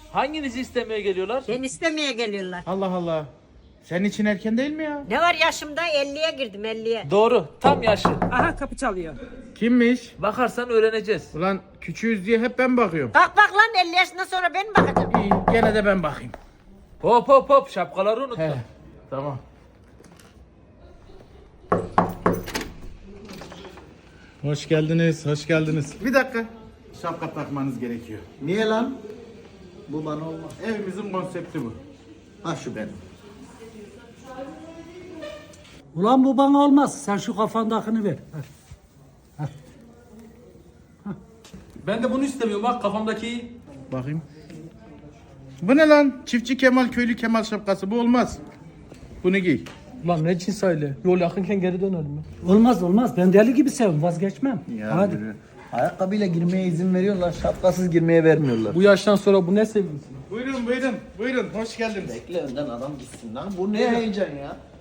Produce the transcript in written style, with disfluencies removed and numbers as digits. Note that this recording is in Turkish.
Hanginizi istemeye geliyorlar? Ben istemeye geliyorlar. Allah Allah. Senin için erken değil mi ya? Ne var yaşımda 50'ye girdim 50'ye. Doğru. Tam yaşı. Aha kapı çalıyor. Kimmiş? Bakarsan öğreneceğiz. Ulan küçüğüz diye hep ben bakıyorum. Bak lan 50 yaşından sonra ben mi bakacağım? İyi, gene de ben bakayım. Hop hop hop. Şapkaları unutma. He. Tamam. Hoş geldiniz, hoş geldiniz. Bir dakika. Şapka takmanız gerekiyor. Niye lan? Bu bana olmaz. Evimizin konsepti bu. Ha şu benim. Ulan bu bana olmaz. Sen şu kafandakini ver. Ben de bunu istemiyorum. Bak kafamdaki. Bakayım. Bu ne lan? Çiftçi Kemal, köylü Kemal şapkası. Bu olmaz. Bunu giy. Lan ne cins aile? Yol yakınken geri dönelim mi? Olmaz olmaz. Ben deli gibi sevim. Vazgeçmem. Hadi. Yürü. Ayakkabıyla girmeye izin veriyorlar, şapkasız girmeye vermiyorlar. Bu yaştan sonra bu ne sevgisi? Buyurun, buyurun, buyurun. Hoş geldiniz. Bekle önden adam gitsin lan. Bu ne heyecan ya?